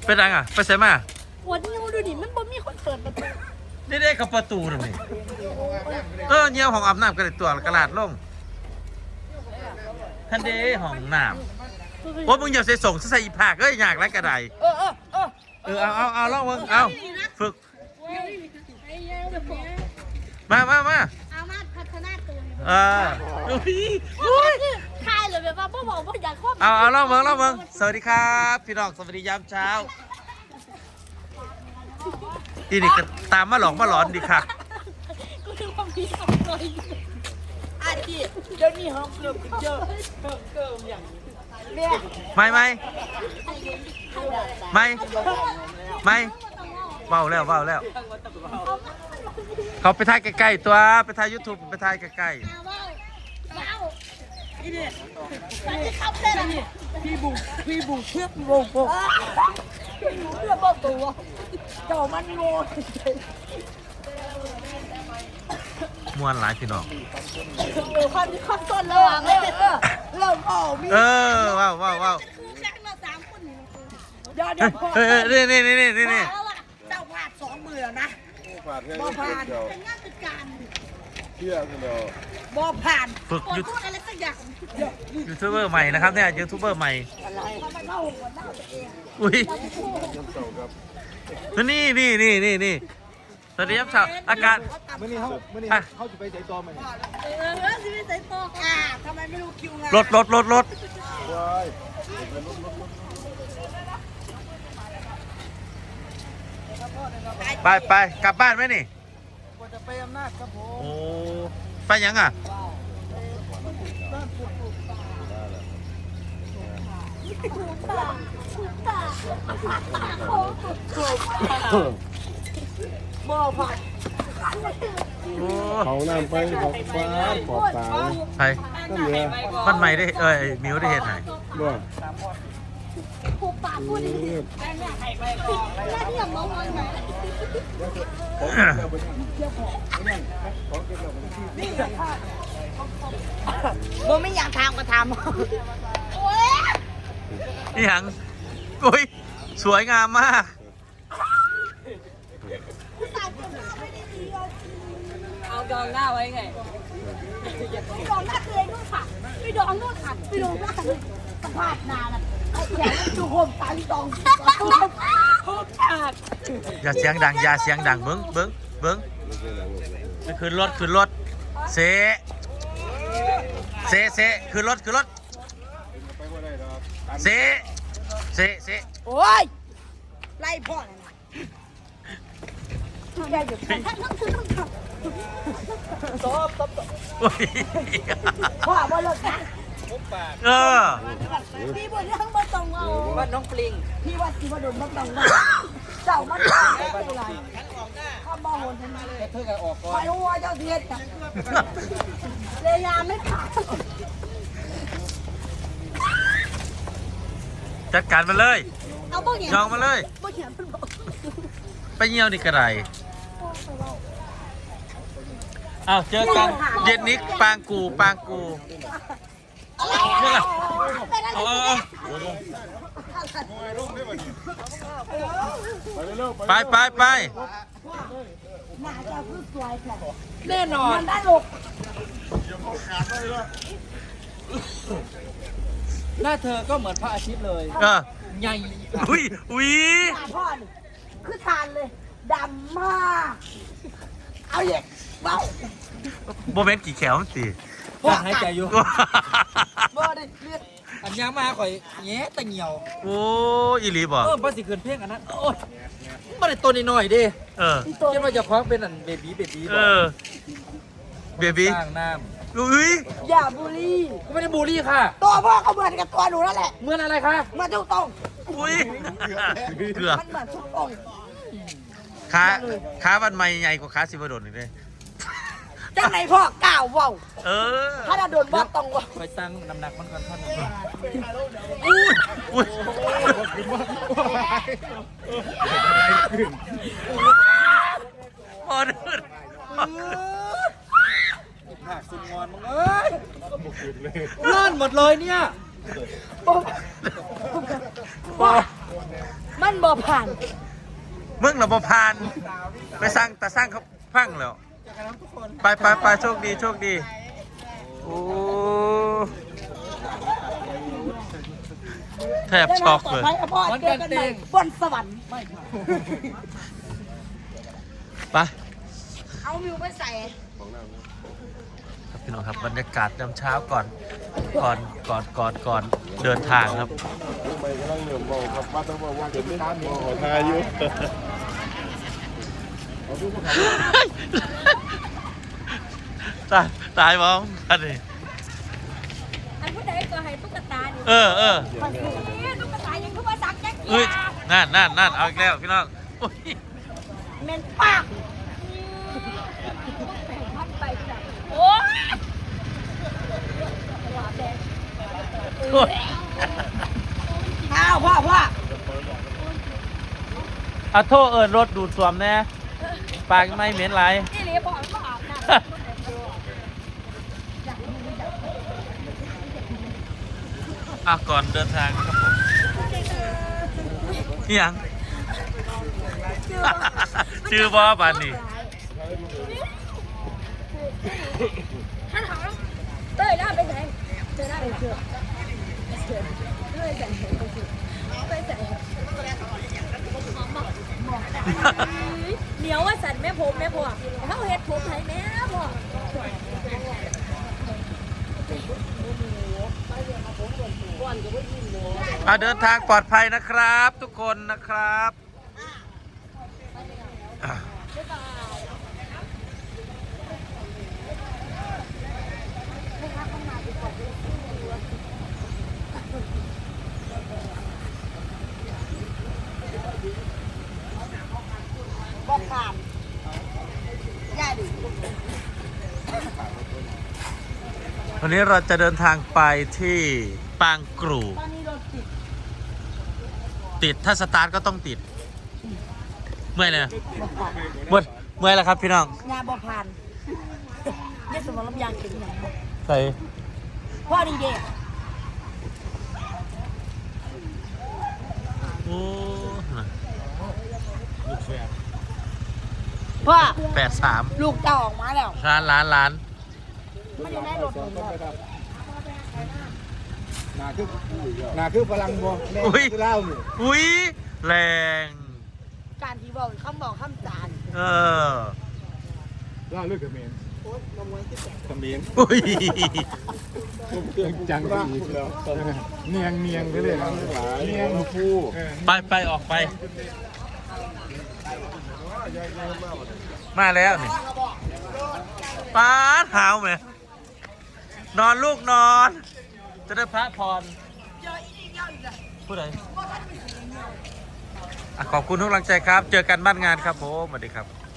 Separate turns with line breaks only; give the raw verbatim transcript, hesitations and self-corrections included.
เป็นยังอ่ะไปใส่มา
วันนี้ดูดิมันบ่มีคนเปิดประตู
นี่ได้กับประตูทำไมเออเงี้ยวของอาบน้ำกระดิ่ตัวกระลาดลงท่านเด้ห้องน้ำว่ามึงอย่าใส่ส่งใส่อีผากเอ้ยอยากไรกระได
เออเออเออ
เออเอาเอาเอาลองมึงเอาฝึกมามามา
เอามาพัฒนาตัว
เอออุ้ย
ทายเลยแบบว่าพ่อบอกว่าอยากครอบ
เอาเอาลองมึงลองมึงสวัสดีครับพี่น้องสวัสดียามเช้าที่นี่ก็ตามมาหลอกมาหลอนดีค่ะ
ก็คือความดีของตัวเองอาจีเดี๋ยวนี้ห้องเกือบเจอเกือบเกือบอย่างนี้
ไม่ไม่ไม่ไม่เบาแล้วเบาแล้วเขาไปถ่ายใกล้ๆตัวไปถ่ายยูทูบไปถ่ายใกล้ๆ
พี่บุกพี่บุกเพื่อบุกบุกเพื่อบอกตัวเจ้ามันโง่
มวนหลายพี่น้อง
เดี๋ยวความความต้นระหว่างเลยเออเริ่มออกมี
เออว้าวว้าวว้าว
เดี๋ยวเดี๋ยว
เออนี่นี่นี่นี่นี่นี่
เจ้าพลาดสองมือนะบ่ผ่านเป็นงานเป็นการ
เชื่อกันเดียว
บ่ผ่าน
ฝึกยูทูบ
อะไรสักอย่าง
ยูทูบเบอร์ใหม่นะครับเนี่ยยูทูบเบอร์ใหม่อุ้ยนี่นี่นี่นี่นี่สวัสดีครับชาวอากาศ
มื่อนี้เขามื่อนี้เขาจะไปใจตัวมัน
เออจะไปใจตัวอ่าทำไมไม่รู้คิวงาน
รถรถรถรถไปไปกลับบ้านไหมนี่
จะไปอำนาจครับผม
โอ้ไปยังอ่ะ
บ่ผ่าน
เขาน้ำไปขอบฟ้าขอบตา
ไป
ก็เหลือ
มันใหม่ได้เอ้ยมิวได้เห็นไหน
บ่
ผูกปากพูดดิแม่ใครไปก่อนแม่ที่อยากมองมันไหมบ่ไม่อยากทำก็ทำ
นี่หังกุ้ยสวยงามมาก
เอาดองหน้าไว้ไงดองหน้าเลยนู่นค่ะไปดองนู่นค่ะไปดองหน้าเลยสภาพนาน่ะไอ้แขนดูโฮมตาลีดองโฮมขาด
อย่าเสียงดังอย่าเสียงดังเบิ้งเบิ้งเบิ้งขึ้นรถขึ้นรถเซเซเซขึ้นรถขึ้นรถเซเซเซ
โอ้ยไล่พ่อเลยนะได้หยุดตบตบตบพ่อบ่เลิกนะ
เออ
พี่บ่ยังบ่ต้องเอาว่าน้องปลิงพี่ว่าสิบ่โดนบ่ต้องว่าเจ้ามันได้อะไรข้าบ่โหนทำไมเลยเธอก็ออกก่อนไม่รู้ว่าเจ้าเทียนจ้ะเลยยาไม่ขาด
จัดการมาเลย
เอาบ่เหี่ย
ยองมาเลย
บ่เหี่ยมันบอก
ไปเยี่ยวนี่กระไรอ้าวเจอกันเย็นนี้ปางกูปางกูนี่แหละไปไปไป
แน่นอนได้หลก
หน้าเธอก็เหมือนพระอาทิตย์เลย
เออ
ใหญ่
อุ้ยอุ้ย
พ่อคือทานเลยดำมากเอาเยอะเบา
โมเมนต์กี่แขวมันตี
พ่อหายใจอยู่บ่ได้เลือดอันยังมาข่อยแง่แต่เหี่ยว
โอ้อีหลีบ่
เออภาษีเกินเพ่งอันนั้นโอ้ยไม่ได้ตัวนิดหน่อยดิ
เออ
คิดว่าจะคล้องเป็นอันเบบี้เบบี้
เออเบบี้
สร้างน้
ำอุ้ย
อย่าบูลลี่
ก็ไม่ได้บูลลี่ค่ะ
ตัวพ่อก็เหมือนกับตัวหนูนั่นแหละ
เหมือนอะไรคะ
เหมือนทุกตรง
อุ้ยเกือบ
มันเหมือนทุกตรง
ขาขาวันใหม่ใหญ่กว่าขาสิบโดนอีกเลย
จังไหนพ่อก้าวว่าว
เออ
ถ้าเราโดนว่าต้องว่าว
คอยตั้งน้ำหนักมันก่อนท่าน
อุ้ยอุ้ยพอเดิน
หนักสุดงอนมึงเอ้ยนั่นหมดเลยเนี่ย
บ้ามันบ่ผ่าน
มึงเหรอบ่พาน ไปสร้างแต่สร้างเขาพังแล้ว ไปไปไปโชคดีโชคดี โอ้แทบช็อกเลย
วันกันเองบนสวรรค์
ไป
เอามิวไปใส่
ครับพี่น้องครับบรรยากาศยามเช้าก่อนก่อนก่อนก่อนก่อนเดินทางครับ
ไปกำลังเหนื่อยบอกครับว่าต้องบอกว่าเดี๋ยวไม่ตามขอทายอยู่
ตายตายมองกันดิ
อันผู้ใดก็ให้ตุ๊กตานี่
เออเออ
มันคือตุ๊กตายังคือว่าสักแจ๊ก
เอ้ยนั่นนั่นนั่นเอาอีกแล้วพี่น้องโอ้ย
เมนปากพัดไปจับโอ้ย
โอ้ย
อ้าวพ่อพ่อ
เอาโทษเอิญรถดูดสวมแน่ปากไม่เหม็นไร
นี่เลยบอกว่าอาบน้ำ
อ่ะก่อนเดินทางครับผมเฮียง ชื่อบอบานนี่
ท่านถามเต้ยได้ไปไหนเต้ยได้ไปเชื่อเต้ยใส่เต้ยใส่เหนียวว่าสันแม่ผมแม่พ่อเขาเฮ็ดผมให้แม่พ่อ
อ่ะเดินทางปลอดภัยนะครับ ทุกคนนะครับอ่ะ
บอกผ่านย่าดิ
วันนี้เราจะเดินทางไปที่ปางกรู
ตอนนี้รถติด
ติดถ้าสตาร์ทก็ต้องติด เมื่อยเลยนะเมื่อยเมื่อยแล้วครับพี่น้อง
งานบอกผ่านเนี่ยสมองลำยางถึงไหน
ใส่
พ่อดีเด็ก
โอ้ลูกแฝด
พ่อ
แปดสาม
ลูกเจ้าออกมาแล้ว
ล้านล้านล้าน
ไม่ได้ได้รถหนึ่งเลย
หนาคือหนาคือพลังบ่แม่คือเล่านี่
อุ้ยแรง
การที่บอกคำบอกคำจาน
เออ
เล่าเรื่องเขมรเขมร
อุ้ย
เครื่องจังอีกแล้วเนียงเนียงไปเลยนะเนียงฟู
ไปไปออกไป มาแล้วนี่ป้าเท้าไหมนอนลูกนอน จะได้พระพรผู้ใดอ่ะขอบคุณทุกกำลังใจครับ เจอกันบ้านงานครับผมสวัสดีครับ